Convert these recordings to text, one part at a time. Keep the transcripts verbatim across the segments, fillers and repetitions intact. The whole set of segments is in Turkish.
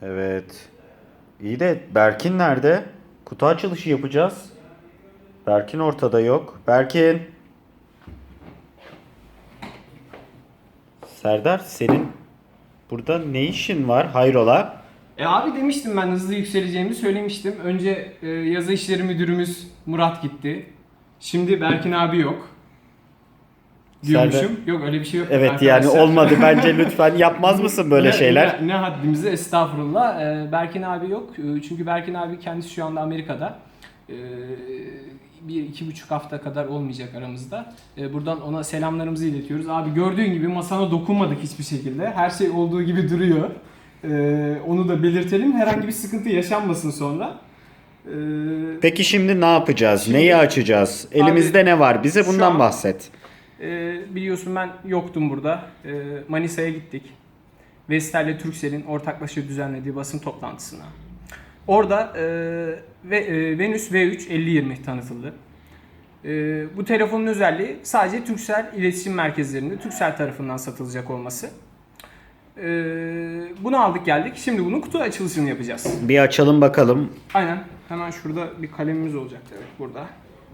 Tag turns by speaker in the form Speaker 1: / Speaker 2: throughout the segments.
Speaker 1: Evet. İyi de Berkin nerede? Kutu açılışı yapacağız. Berkin ortada yok. Berkin. Serdar senin burada ne işin var? Hayrola?
Speaker 2: E abi demiştim ben hızlı yükseleceğimi söylemiştim. Önce e, yazı işleri müdürümüz Murat gitti. Şimdi Berkin abi yok. Diyormuşum.
Speaker 1: Serdar-
Speaker 2: Yok öyle bir şey yok
Speaker 1: Evet yani
Speaker 2: arkadaşlar.
Speaker 1: olmadı. Bence lütfen yapmaz mısın böyle
Speaker 2: Ne-
Speaker 1: şeyler?
Speaker 2: Ne, ne haddimize estağfurullah. E, Berkin abi yok. E, Çünkü Berkin abi kendisi şu anda Amerika'da. E, bir iki buçuk hafta kadar olmayacak aramızda. E, buradan ona selamlarımızı iletiyoruz. Abi gördüğün gibi masana dokunmadık hiçbir şekilde. Her şey olduğu gibi duruyor. E, onu da belirtelim. Herhangi bir sıkıntı yaşanmasın sonra. E,
Speaker 1: Peki şimdi ne yapacağız?
Speaker 2: Şimdi-
Speaker 1: Neyi açacağız? Elimizde ne var? Bize
Speaker 2: şu
Speaker 1: bundan
Speaker 2: an-
Speaker 1: bahset.
Speaker 2: e, biliyorsun ben yoktum burada. E, Manisa'ya gittik. Vestel ile Turkcell'in ortaklaşa düzenlediği basın toplantısına. Orada e, ve, e, Venüs V üç elli yirmi tanıtıldı. E, bu telefonun özelliği sadece Turkcell iletişim merkezlerinde Turkcell tarafından satılacak olması. E, bunu aldık geldik. Şimdi bunun kutu açılışını yapacağız.
Speaker 1: Bir açalım bakalım.
Speaker 2: Aynen. Hemen şurada bir kalemimiz olacak. Evet burada.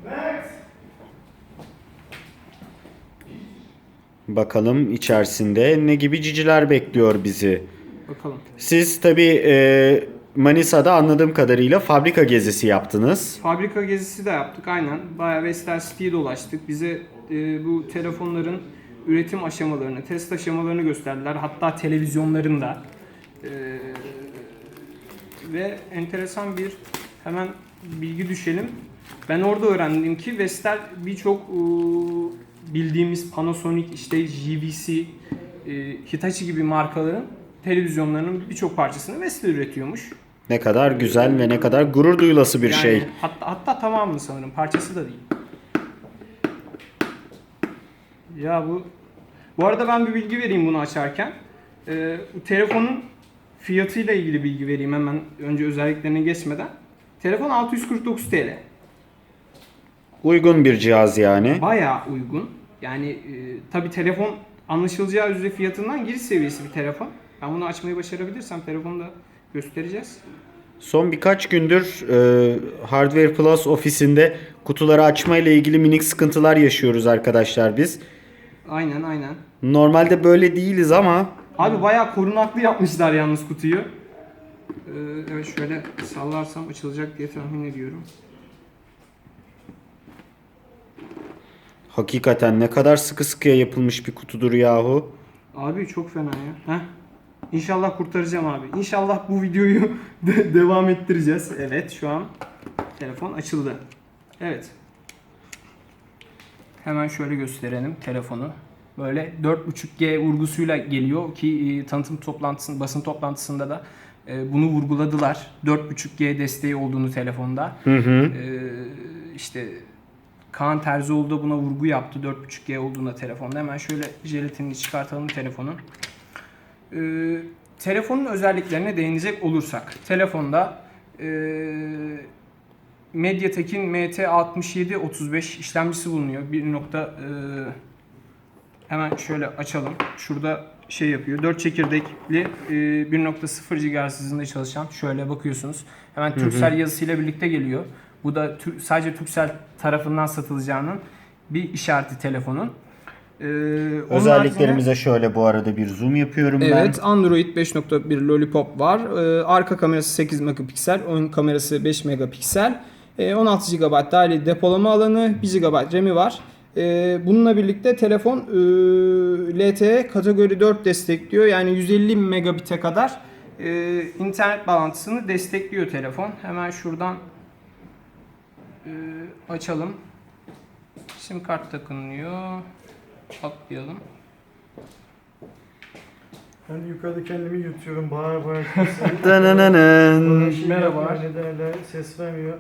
Speaker 1: Bakalım içerisinde ne gibi ciciler bekliyor bizi.
Speaker 2: Bakalım.
Speaker 1: Siz tabii e, Manisa'da anladığım kadarıyla fabrika gezisi yaptınız.
Speaker 2: Fabrika gezisi de yaptık aynen. Bayağı Vestel City'ye dolaştık. Bize e, bu telefonların üretim aşamalarını, test aşamalarını gösterdiler. Hatta televizyonlarında. E, ve enteresan bir hemen bilgi düşelim. Ben orada öğrendim ki Vestel birçok e, bildiğimiz Panasonic, işte J V C, e, Hitachi gibi markaların televizyonlarının birçok parçasını Vestel üretiyormuş.
Speaker 1: Ne kadar güzel ve ne kadar gurur duyulası bir
Speaker 2: Yani
Speaker 1: şey.
Speaker 2: Hatta, hatta tamamını sanırım. Parçası da değil. Ya bu... Bu arada ben bir bilgi vereyim bunu açarken. Ee, bu telefonun fiyatıyla ilgili bilgi vereyim hemen önce özelliklerine geçmeden. Telefon altı yüz kırk dokuz T L.
Speaker 1: Uygun bir cihaz yani.
Speaker 2: Bayağı uygun. Yani e, tabi telefon anlaşılacağı üzere fiyatından giriş seviyesi bir telefon. Ben bunu açmayı başarabilirsem telefonu da göstereceğiz.
Speaker 1: Son birkaç gündür e, Hardware Plus ofisinde kutuları açma ile ilgili minik sıkıntılar yaşıyoruz arkadaşlar biz.
Speaker 2: Aynen aynen.
Speaker 1: Normalde böyle değiliz ama
Speaker 2: Abi bayağı korunaklı yapmışlar yalnız kutuyu. Ee, evet şöyle sallarsam açılacak diye tahmin ediyorum.
Speaker 1: hakikaten ne kadar sıkı sıkıya yapılmış bir kutudur yahu.
Speaker 2: Abi çok fena ya. Heh. İnşallah kurtaracağım abi. İnşallah bu videoyu de- devam ettireceğiz. Evet şu an telefon açıldı. Evet. Hemen şöyle gösterelim telefonu. Böyle dört buçuk G vurgusuyla geliyor ki e, tanıtım toplantısında, basın toplantısında da e, bunu vurguladılar. dört buçuk G desteği olduğunu telefonda.
Speaker 1: Hı hı.
Speaker 2: E, işte Kaan Terzioğlu da buna vurgu yaptı dört buçuk G olduğunda telefonda. Hemen şöyle jelatinini çıkartalım telefonun. E, telefonun özelliklerine değinecek olursak. Telefonda e, MediaTek'in M T altmış yedi otuz beş işlemcisi bulunuyor. Bir nokta e, hemen şöyle açalım. Şurada şey yapıyor. dört çekirdekli e, bir nokta sıfır gigahertz hızında çalışan. Şöyle bakıyorsunuz. Hemen Turkcell yazısıyla birlikte geliyor. Bu da tür, sadece Turkcell tarafından satılacağının bir işareti telefonun. Ee, onun
Speaker 1: Özelliklerimize şöyle bu arada bir zoom yapıyorum ben.
Speaker 2: Evet, Android beş nokta bir Lollipop var. Ee, arka kamerası sekiz megapiksel, ön kamerası beş megapiksel. Ee, on altı gigabayt dahili depolama alanı, bir gigabayt RAM'i var. Ee, bununla birlikte telefon e, L T E kategori dört destekliyor. Yani yüz elli megabit'e kadar e, internet bağlantısını destekliyor telefon. Hemen şuradan e, açalım. Sim kart takınıyor. Atlayalım.
Speaker 3: Ben yukarıda kendimi yutuyorum, bağır bağır kimse.
Speaker 1: Dananana.
Speaker 3: Bana şey
Speaker 2: Merhaba.
Speaker 3: yapmıyor, ne derler, ses vermiyor.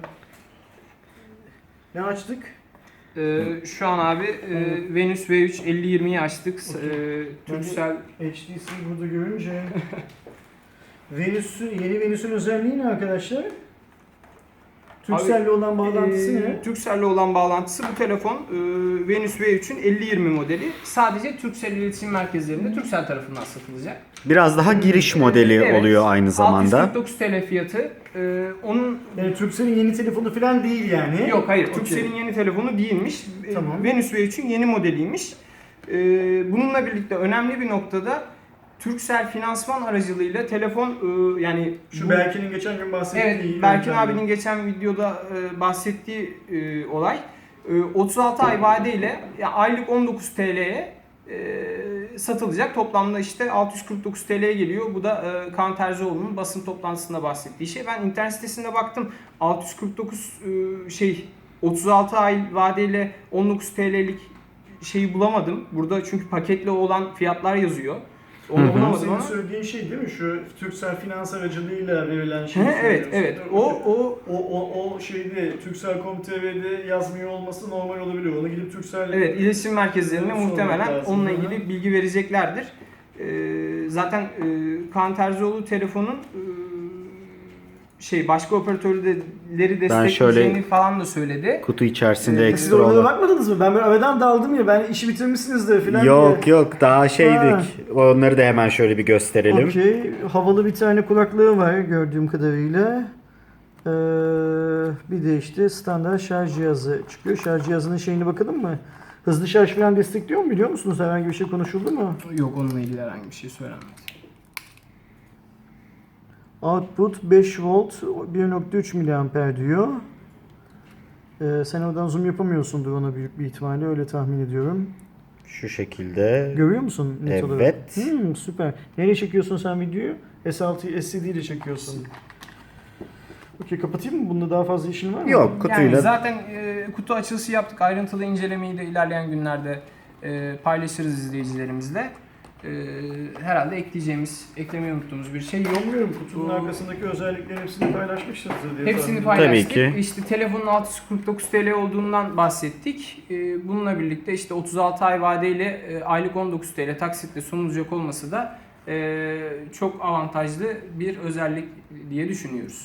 Speaker 3: Ne açtık?
Speaker 2: Ee, şu an abi e, Venüs V üç elli yirmiyi açtık.
Speaker 3: Okey.
Speaker 2: E, Turkcell
Speaker 3: H D C burada görünce. Venüs'ün, yeni Venüs'ün özelliği ne arkadaşlar? Turkcell'le olan bağlantısı
Speaker 2: Ee,
Speaker 3: ne?
Speaker 2: Turkcell'le olan bağlantısı bu telefon e, Venüs V üçün elli yirmi modeli. Sadece Turkcell iletişim merkezlerinde Turkcell tarafından satılacak.
Speaker 1: Biraz daha giriş modeli
Speaker 2: Evet,
Speaker 1: oluyor aynı zamanda.
Speaker 2: altı yüz kırk dokuz TL fiyatı. E, onun
Speaker 3: Yani Turkcell'in yeni telefonu falan değil yani.
Speaker 2: yok hayır
Speaker 3: Okey.
Speaker 2: Turkcell'in yeni telefonu değilmiş. E,
Speaker 3: Tamam.
Speaker 2: Venüs V üçün yeni modeliymiş. E, bununla birlikte önemli bir noktada Turkcell finansman aracılığıyla telefon e, yani
Speaker 3: Şu
Speaker 2: bu-
Speaker 3: Berkin'in geçen gün bahsettiği
Speaker 2: Evet, Berkin
Speaker 3: yöntemle.
Speaker 2: abinin geçen videoda e, bahsettiği e, olay e, otuz altı ay vadeyle ya, aylık on dokuz TL'ye e, satılacak. Toplamda işte altı yüz kırk dokuz TL'ye geliyor. Bu da e, Kaan Terzioğlu'nun basın toplantısında bahsettiği şey. Ben internet sitesinde baktım. altı yüz kırk dokuz e, şey otuz altı ay vadeyle on dokuz TL'lik şeyi bulamadım. Burada çünkü paketli olan fiyatlar yazıyor. Onu
Speaker 1: Hı hı.
Speaker 2: bulamadım
Speaker 3: Senin
Speaker 2: ama.
Speaker 3: söylediğin şey değil mi? Şu Turkcell finans aracılığıyla verilen şey.
Speaker 2: He, evet, evet. O o
Speaker 3: O, o, o şeyde Turkcell nokta com nokta tr'de yazmıyor olması normal olabilir. Onu gidip Turkcell...
Speaker 2: Evet, iletişim merkezlerine
Speaker 3: Sormak
Speaker 2: muhtemelen
Speaker 3: lazım,
Speaker 2: onunla
Speaker 3: değil mi?
Speaker 2: ilgili bilgi vereceklerdir. Ee, zaten e, Kaan Terzioğlu telefonun e, şey başka operatörleri destekleyeceğini
Speaker 1: şöyle-
Speaker 2: falan da söyledi.
Speaker 1: Kutu içerisinde
Speaker 2: Ee,
Speaker 3: Siz
Speaker 1: ekstra
Speaker 3: oralara
Speaker 1: olan.
Speaker 3: bakmadınız mı? Ben böyle aradan daldım ya. Ben işi bitirmişsinizdir falan
Speaker 1: Yok
Speaker 3: diye.
Speaker 1: yok daha şeydik.
Speaker 3: Ha.
Speaker 1: Onları da hemen şöyle bir gösterelim.
Speaker 3: Okey. Havalı bir tane kulaklığı var gördüğüm kadarıyla. Ee, bir de işte standart şarj cihazı çıkıyor. Şarj cihazının şeyine bakalım mı? Hızlı şarj falan destekliyor mu biliyor musunuz? Herhangi bir şey konuşuldu mu?
Speaker 2: Yok onunla ilgili herhangi bir şey söylenmedi.
Speaker 3: Output beş volt bir nokta üç miliamper diyor. Ee, sen oradan zoom yapamıyorsundur ona büyük bir ihtimalle öyle tahmin ediyorum.
Speaker 1: Şu şekilde.
Speaker 3: Görüyor musun net
Speaker 1: Evet.
Speaker 3: olarak? Hmm, süper. Nereye çekiyorsun sen videoyu? S altı S D ile çekiyorsun. Okey kapatayım mı? Bunda daha fazla işin var mı?
Speaker 1: Yok kutuyla.
Speaker 2: Yani zaten e, kutu açılışı yaptık. Ayrıntılı incelemeyi de ilerleyen günlerde e, paylaşırız izleyicilerimizle. E, herhalde ekleyeceğimiz, eklemeyi unuttuğumuz bir şey yok.
Speaker 3: Bilmiyorum kutunun
Speaker 2: Bu-
Speaker 3: arkasındaki özelliklerin hepsini paylaşmışsınızdır diye
Speaker 2: Hepsini
Speaker 3: tahmin ediyorum.
Speaker 2: paylaştık.
Speaker 1: Tabii ki.
Speaker 2: İşte telefonun altı yüz kırk dokuz TL olduğundan bahsettik. Ee, Bununla birlikte işte otuz altı ay vadeyle e, aylık on dokuz TL taksitle sunulacak olması da e, çok avantajlı bir özellik diye düşünüyoruz.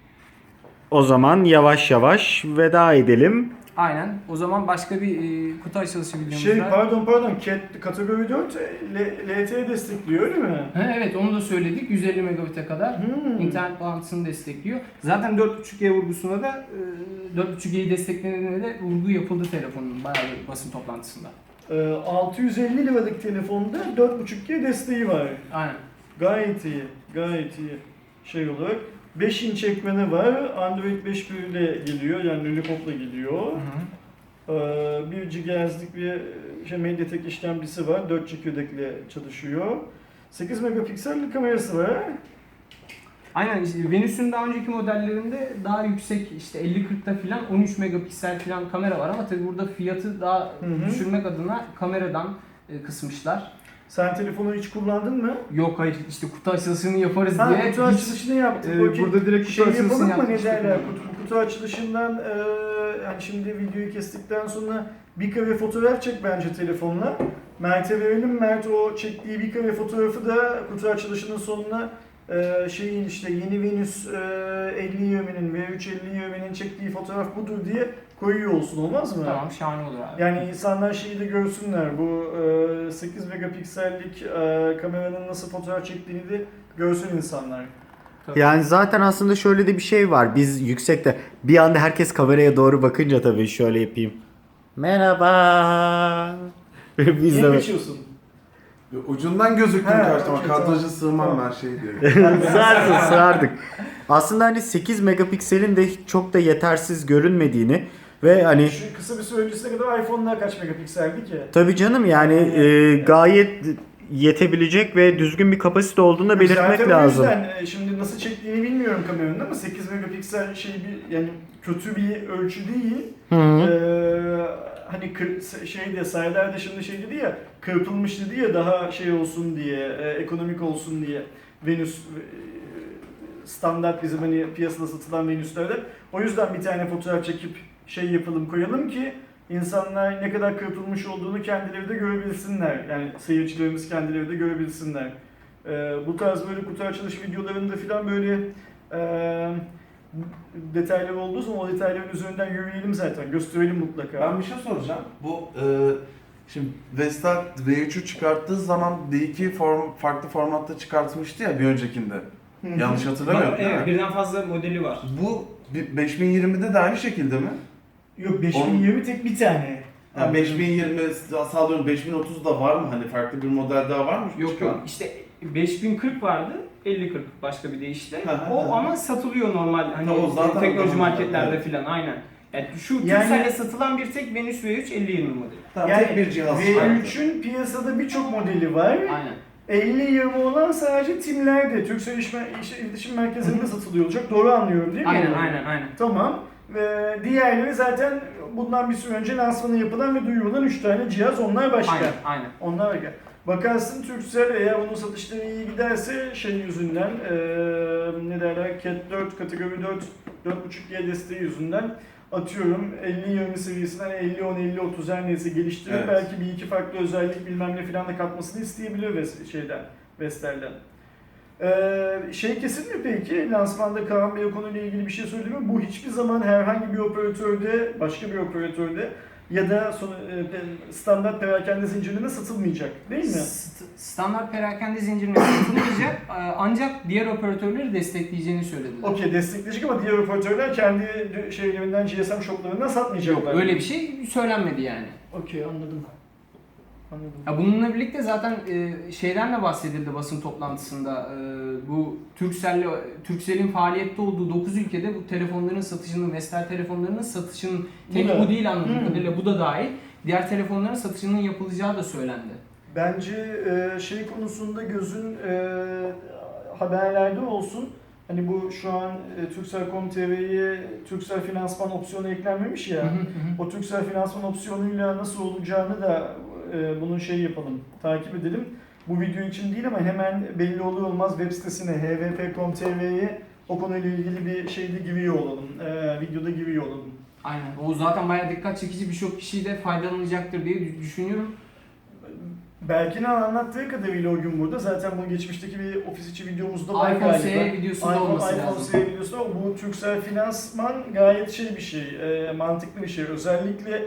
Speaker 1: O zaman yavaş yavaş veda edelim.
Speaker 2: Aynen. O zaman başka bir e, kutu açılışı videomuzda.
Speaker 3: Şey pardon pardon Cat kategori dört L- L T E destekliyor öyle mi?
Speaker 2: Ha, evet onu da söyledik. yüz elli megabit'e kadar
Speaker 3: Hmm.
Speaker 2: internet bağlantısını destekliyor. Zaten dört buçuk G vurgusuna da e, dört buçuk G'yi desteklediğine de vurgu yapıldı telefonun bayağı bir basın toplantısında.
Speaker 3: Ee, altı yüz elli liralık telefonda dört buçuk G desteği var.
Speaker 2: Aynen.
Speaker 3: Gayet iyi. Gayet iyi. Şey olarak beş inç ekranı var. Android beş bir ile geliyor. Yani Lollipop'la geliyor.
Speaker 2: Hı hı.
Speaker 3: Ee, bir gigahertz'lik bir şey Mediatek işlemcisi var. dört çekirdekle çalışıyor. sekiz megapiksellik kamerası var.
Speaker 2: Aynen işte Venüs'ün daha önceki modellerinde daha yüksek işte elli kırkta filan on üç megapiksel filan kamera var ama tabi burada fiyatı daha
Speaker 3: Hı hı.
Speaker 2: düşürmek adına kameradan e, kısmışlar.
Speaker 3: Sen telefonu hiç kullandın mı?
Speaker 2: Yok hayır işte kutu açılışını yaparız
Speaker 3: Ha,
Speaker 2: diye
Speaker 3: kutu
Speaker 2: hiç,
Speaker 3: açılışını yaptık.
Speaker 2: e,
Speaker 3: Okey.
Speaker 2: burada direkt kutu
Speaker 3: şey
Speaker 2: açılışını
Speaker 3: yapalım mı ne
Speaker 2: yapmıştık
Speaker 3: derler?
Speaker 2: yani.
Speaker 3: Kutu, kutu açılışından e, yani şimdi videoyu kestikten sonra bir kare fotoğraf çek bence telefonla. Mert'e verelim. Mert o çektiği bir kare fotoğrafı da kutu açılışının sonuna e, şeyin işte yeni Venüs e, elli yirminin V üç elli yirminin çektiği fotoğraf budur diye koyuyor olsun olmaz mı?
Speaker 2: Tamam şahane olur abi.
Speaker 3: Yani insanlar şeyi de görsünler. Bu e, sekiz megapiksellik e, kameranın nasıl fotoğraf çektiğini de görsün insanlar.
Speaker 2: Tabii.
Speaker 1: Yani zaten aslında şöyle de bir şey var. Biz yüksekte bir anda herkes kameraya doğru bakınca tabii şöyle yapayım. Merhaba. Biz
Speaker 3: Niye
Speaker 1: de
Speaker 3: kaçıyorsun?
Speaker 4: Ucundan gözüktüm
Speaker 3: He,
Speaker 4: karşıma.
Speaker 3: okey,
Speaker 4: Kadraja
Speaker 3: tamam.
Speaker 4: sığmam
Speaker 3: Tamam.
Speaker 4: her şey diye.
Speaker 1: sığarsın sığardık. Aslında hani sekiz megapikselin de çok da yetersiz görünmediğini ve hani
Speaker 3: Şu kısa bir süre öncesine kadar iPhone'lar kaç megapikseldi ki?
Speaker 1: tabii canım yani e, gayet yetebilecek ve düzgün bir kapasite olduğunu da belirtmek
Speaker 3: Zaten
Speaker 1: lazım.
Speaker 3: O yüzden e, şimdi nasıl çektiğini bilmiyorum kameranın ama sekiz megapiksel şey bir yani kötü bir ölçü değil.
Speaker 1: Hı hı.
Speaker 3: Ee, hani kır, şeyde Serdar da şimdi şey dedi ya kırpılmış dedi ya daha şey olsun diye e, ekonomik olsun diye Venüs e, standart bizim hani piyasada satılan Venüslerde o yüzden bir tane fotoğraf çekip şey yapalım koyalım ki insanlar ne kadar kırpılmış olduğunu kendileri de görebilsinler. Yani seyircilerimiz kendileri de görebilsinler. Ee, bu tarz böyle kutu açılış videolarında falan böyle e, detayları olduğu zaman o detayların üzerinden yürüyelim zaten. Gösterelim mutlaka.
Speaker 4: Ben bir şey soracağım. Bu e, şimdi Vestel V üçü çıkarttığı zaman D iki form, farklı formatta çıkartmıştı ya bir öncekinde.
Speaker 3: Hı hı.
Speaker 4: Yanlış hatırlamıyorum değil
Speaker 2: Evet,
Speaker 4: mi?
Speaker 2: birden fazla modeli var.
Speaker 4: Bu bi- beş bin yirmide de aynı şekilde mi?
Speaker 3: Yok beş bin yirmi tek bir tane.
Speaker 4: Yani beş bin yirmi, sağlıyorum beş bin otuz da var mı? Hani farklı bir model daha var mı?
Speaker 2: Yok
Speaker 4: Çıkan?
Speaker 2: yok. İşte beş bin kırk vardı. elli kırk başka bir deyişle.
Speaker 4: Hı hı
Speaker 2: O
Speaker 4: hı.
Speaker 2: ama satılıyor normal hani
Speaker 4: Tamam, zaten
Speaker 2: teknoloji
Speaker 4: o da
Speaker 2: marketlerde
Speaker 4: evet.
Speaker 2: filan aynen. Yani şu
Speaker 3: Yani-
Speaker 2: Turkcell'e satılan bir tek Venüs V üç elli yirmi modeli.
Speaker 4: Tamam,
Speaker 3: Yani
Speaker 4: tek bir cihaz
Speaker 3: V
Speaker 4: çıkarttı.
Speaker 3: üçün piyasada birçok modeli var.
Speaker 2: Aynen.
Speaker 3: elli yirmi olan sadece Tim'lerde, Turkcell İşme- İş- İletişim Merkezi'nde satılıyor olacak. Doğru anlıyorum değil mi?
Speaker 2: Aynen aynen aynen.
Speaker 3: Tamam. Ve diğerleri zaten bundan bir süre önce lansmanı yapılan ve duyurulan üç tane cihaz. Onlar başka.
Speaker 2: Aynen aynen.
Speaker 3: Onlar başka. Bakarsın Turkcell eğer onun satışları iyi giderse şey yüzünden eee ne derler Cat dört kategori dört dört buçuk G desteği yüzünden atıyorum elli yirmi seviyesinden elli on elli otuz her neyse geliştirip
Speaker 4: Evet.
Speaker 3: belki bir iki farklı özellik bilmem ne filan da katmasını isteyebilir Ves- şeyden Vestel'den. Ee, şey kesin mi peki? Lansmanda Kaan Bey o konuyla ilgili bir şey söyledi mi? Bu hiçbir zaman herhangi bir operatörde, başka bir operatörde ya da son, e, standart perakende zincirinde satılmayacak değil mi?
Speaker 2: St- standart perakende zincirine satılmayacak e, ancak diğer operatörleri destekleyeceğini söylediler.
Speaker 3: Okey destekleyecek ama diğer operatörler kendi şeylerinden G S M shoplarından satmayacaklar.
Speaker 2: Yok öyle bir şey söylenmedi yani.
Speaker 3: Okey anladım. Anladım.
Speaker 2: Ya bununla birlikte zaten e, şeyden de bahsedildi basın toplantısında. E, bu Turkcell'le Turkcell'in faaliyette olduğu dokuz ülkede bu telefonların satışının, Vestel telefonlarının satışının
Speaker 3: Bu
Speaker 2: tek
Speaker 3: da-
Speaker 2: bu değil anladığım
Speaker 3: Hmm.
Speaker 2: kadarıyla bu da dahil. Diğer telefonların satışının yapılacağı da söylendi.
Speaker 3: Bence e, şey konusunda gözün e, haberlerde olsun. Hani bu şu an e, Turkcell nokta com nokta t v'ye Turkcell finansman opsiyonu eklenmemiş ya.
Speaker 2: Hı hı hı.
Speaker 3: O Turkcell finansman opsiyonuyla nasıl olacağını da e, bunun şey yapalım, takip edelim. Bu video için değil ama hemen belli olur olmaz web sitesine h v p nokta com nokta t v'ye o konuyla ilgili bir şeyde giriyor olalım. E, videoda giriyor olalım.
Speaker 2: Aynen. O zaten bayağı dikkat çekici, birçok kişi de faydalanacaktır diye düşünüyorum.
Speaker 3: Berkin'in anlattığı kadarıyla o gün burada. Zaten bu geçmişteki bir ofis içi videomuzda var
Speaker 2: iPhone
Speaker 3: galiba.
Speaker 2: S E videosunda
Speaker 3: iPhone,
Speaker 2: olması
Speaker 3: iPhone
Speaker 2: lazım.
Speaker 3: S E videosu var. Bu Turkcell finansman gayet şey bir şey, e, mantıklı bir şey. Özellikle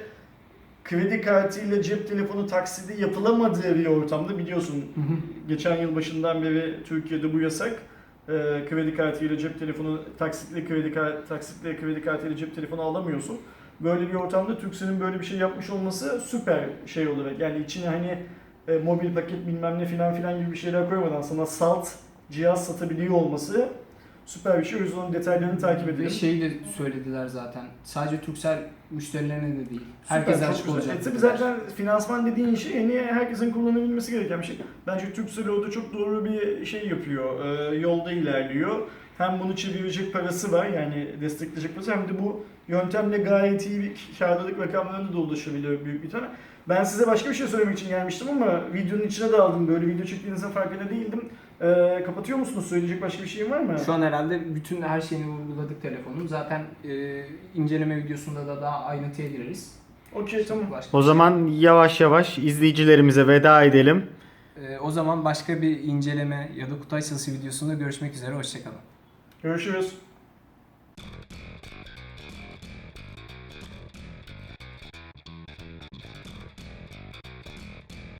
Speaker 3: kredi kartıyla cep telefonu taksidi yapılamadığı bir ortamda biliyorsun.
Speaker 2: Hı hı.
Speaker 3: Geçen yıl başından beri Türkiye'de bu yasak. E, kredi kartıyla cep telefonu, taksitle kredi kart, taksitle kredi kartıyla cep telefonu alamıyorsun. Böyle bir ortamda Turkcell'in böyle bir şey yapmış olması süper şey olarak. Yani içine hani e, mobil paket bilmem ne filan filan gibi bir şeyler koymadan sana salt cihaz satabiliyor olması süper bir şey. O yüzden onun detaylarını takip
Speaker 2: Ve
Speaker 3: edelim.
Speaker 2: şeyi de söylediler zaten. Sadece Turkcell müşterilerine de değil.
Speaker 3: Süper,
Speaker 2: Herkese
Speaker 3: çok
Speaker 2: açık
Speaker 3: güzel.
Speaker 2: olacak.
Speaker 3: E, tabii
Speaker 2: dediler.
Speaker 3: zaten finansman dediğin şey en iyi herkesin kullanabilmesi gereken bir şey. Bence Turkcell orada çok doğru bir şey yapıyor. E, yolda ilerliyor. Hem bunu çevirecek parası var yani destekleyecek parası hem de bu yöntemle gayet iyi bir karlılık rakamlarına da ulaşabiliyor büyük bir tane. Ben size başka bir şey söylemek için gelmiştim ama videonun içine daldım. Böyle video çektiğinizin farkında değildim. E, kapatıyor musunuz? Söyleyecek başka bir şeyim var mı?
Speaker 2: Şu an herhalde bütün her şeyini vurguladık telefonun. Zaten e, inceleme videosunda da daha ayrıntıya gireriz.
Speaker 3: Okey tamam.
Speaker 2: Başka
Speaker 1: O
Speaker 2: bir
Speaker 1: zaman yavaş yavaş izleyicilerimize veda edelim.
Speaker 2: şey- E, o zaman başka bir inceleme ya da kutu açılışı videosunda görüşmek üzere. Hoşçakalın.
Speaker 3: Görüşürüz.